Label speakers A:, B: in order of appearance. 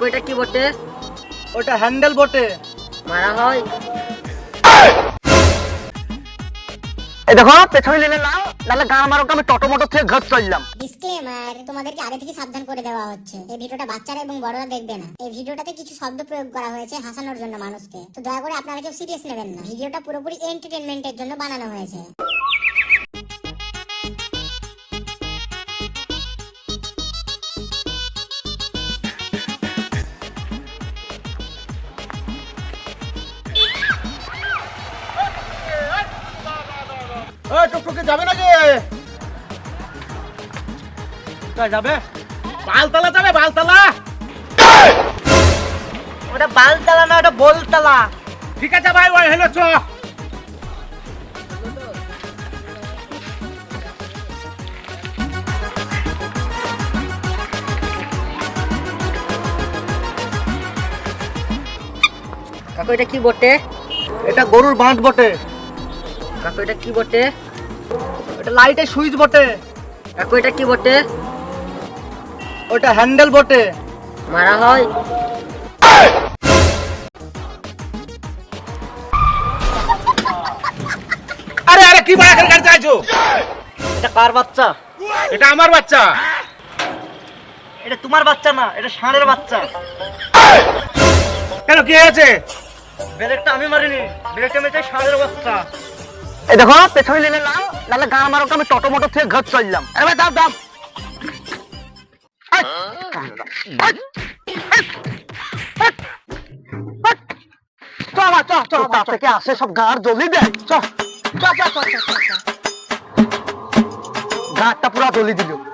A: কাকু এটা কি বটে?
B: ওটা হ্যান্ডেল বটে।
A: মারা হয়।
B: এই দেখো পেছনে নিলে নাও, নাহলে গান মারো আমি টটো মোটর থেকে ঘর চললাম।
C: ডিসক্লেমার, তোমাদেরকে আগে থেকে সাবধান করে দেওয়া হচ্ছে, এই ভিডিওটা বাচ্চারা এবং বড়রা দেখবে না। এই ভিডিওটাতে কিছু শব্দ প্রয়োগ করা হয়েছে হাসানোর জন্য মানুষকে, তো দয়া করে আপনারা কেউ সিরিয়াস নেবেন না। ভিডিওটা পুরোপুরি এন্টারটেইনমেন্টের জন্য বানানো হয়েছে।
B: ওই টুকটুকি যাবে নাকি? কোথায় যাবে? বালতলা যাবে, বালতলা।
A: ওটা বালতলা না, ওটা বলতলা।
B: ঠিক আছে ভাই, ওই হলো চ।
A: কাকু এটা কি বটে?
B: এটা গরুর বাঁধ বটে।
A: কাকু এটা কি বটে?
B: এটা লাইটের সুইচ বটে।
A: কাকু এটা কি বটে?
B: ওটা হ্যান্ডেল বটে।
A: মারা হয়।
B: আরে আরে কি বাড়া করে গাড়ি চালাচ্ছো?
A: এটা কার বাচ্চা?
B: এটা আমার বাচ্চা।
A: এটা তোমার বাচ্চা না, এটা ষাঁড়ের বাচ্চা।
B: কেন কি হয়েছে?
A: ব্রেকটা আমি মারিনি, ব্রেকটা মেরেছে ষাঁড়ের বাচ্চা।
B: এই দেখো পেছনে নিলে নাও, নাহলে গান মারো আমি টটো মোটর থেকে ঘর চললাম। এবার দাম দাম। থেকে আসে সব গাঁর জ্বলি দেয়। গাঁটটা পুরা জ্বলি দিল।